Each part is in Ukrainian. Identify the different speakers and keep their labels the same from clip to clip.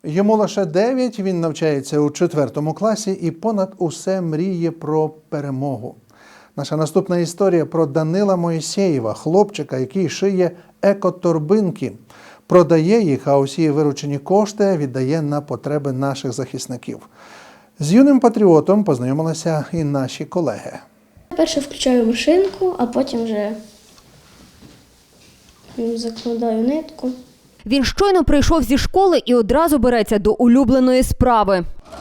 Speaker 1: Йому лише 9, він навчається у 4 класі і понад усе мріє про перемогу. Наша наступна історія про Данила Моїсеєва, хлопчика, який шиє екоторбинки. Продає їх, а усі виручені кошти віддає на потреби наших захисників. З юним патріотом познайомилися і наші колеги.
Speaker 2: Перше включаю машинку, а потім вже закладаю нитку.
Speaker 3: Він щойно прийшов зі школи і одразу береться до улюбленої справи.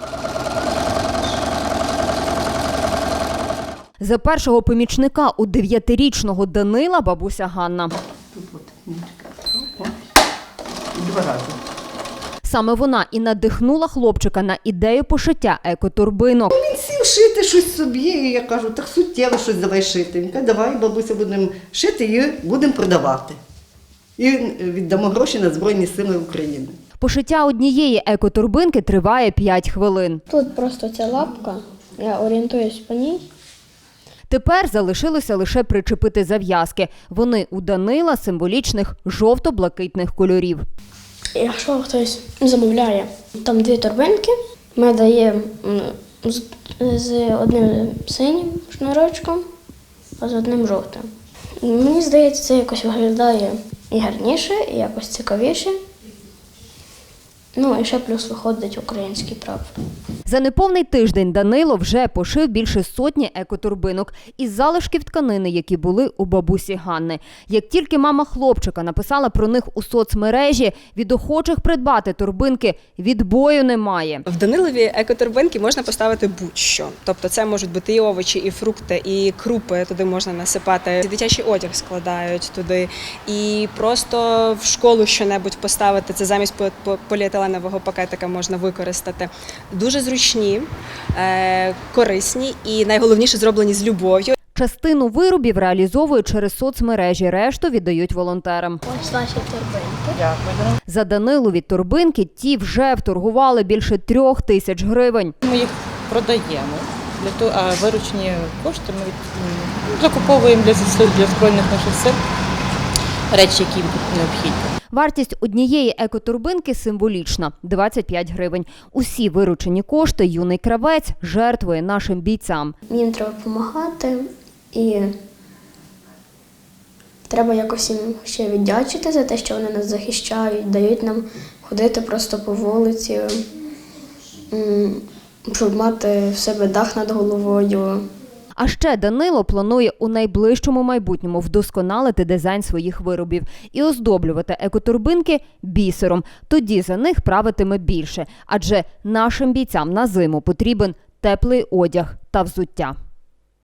Speaker 3: За першого помічника у 9-річного Данила бабуся Ганна.
Speaker 4: Тут от нитка. Два рази.
Speaker 3: Саме вона і надихнула хлопчика на ідею пошиття екоторбинок.
Speaker 4: Він сів шити щось собі, і я кажу, так суттєво щось давай шити. Він каже, давай, бабуся, будемо шити і будемо продавати. І віддамо гроші на Збройні Сили України.
Speaker 3: Пошиття однієї екоторбинки триває 5 хвилин.
Speaker 2: Тут просто ця лапка, я орієнтуюсь по ній.
Speaker 3: Тепер залишилося лише причепити зав'язки. Вони у Данила символічних жовто-блакитних кольорів.
Speaker 2: Якщо хтось замовляє, там 2 торбинки, ми даємо з одним синім шнурочком, а з одним жовтим. Мені здається, це якось виглядає і гарніше, і якось цікавіше. Ну, і ще плюс виходить український прапор.
Speaker 3: За неповний тиждень Данило вже пошив більше сотні екоторбинок із залишків тканини, які були у бабусі Ганни. Як тільки мама хлопчика написала про них у соцмережі, від охочих придбати торбинки відбою немає.
Speaker 5: В Данилові екоторбинки можна поставити будь-що. Тобто це можуть бути і овочі, і фрукти, і крупи, туди можна насипати. Дитячий одяг складають туди. І просто в школу що-небудь поставити, це замість поліетиленового пакетика можна використати. Дуже зручні, корисні і найголовніше зроблені з любов'ю.
Speaker 3: Частину виробів реалізовують через соцмережі, решту віддають волонтерам.
Speaker 2: Ось наші торбинки.
Speaker 4: Дякую.
Speaker 3: За Данилові торбинки ті вже вторгували більше 3000 гривень.
Speaker 6: Ми їх продаємо, а виручені кошти ми закуповуємо для Збройних наших сил речі, які їм необхідні.
Speaker 3: Вартість однієї екоторбинки символічна – 25 гривень. Усі виручені кошти юний кравець жертвує нашим бійцям.
Speaker 2: Їм треба допомагати і треба якось їм ще віддячити за те, що вони нас захищають, дають нам ходити просто по вулиці, щоб мати в себе дах над головою.
Speaker 3: А ще Данило планує у найближчому майбутньому вдосконалити дизайн своїх виробів і оздоблювати екоторбинки бісером. Тоді за них правитиме більше, адже нашим бійцям на зиму потрібен теплий одяг та взуття.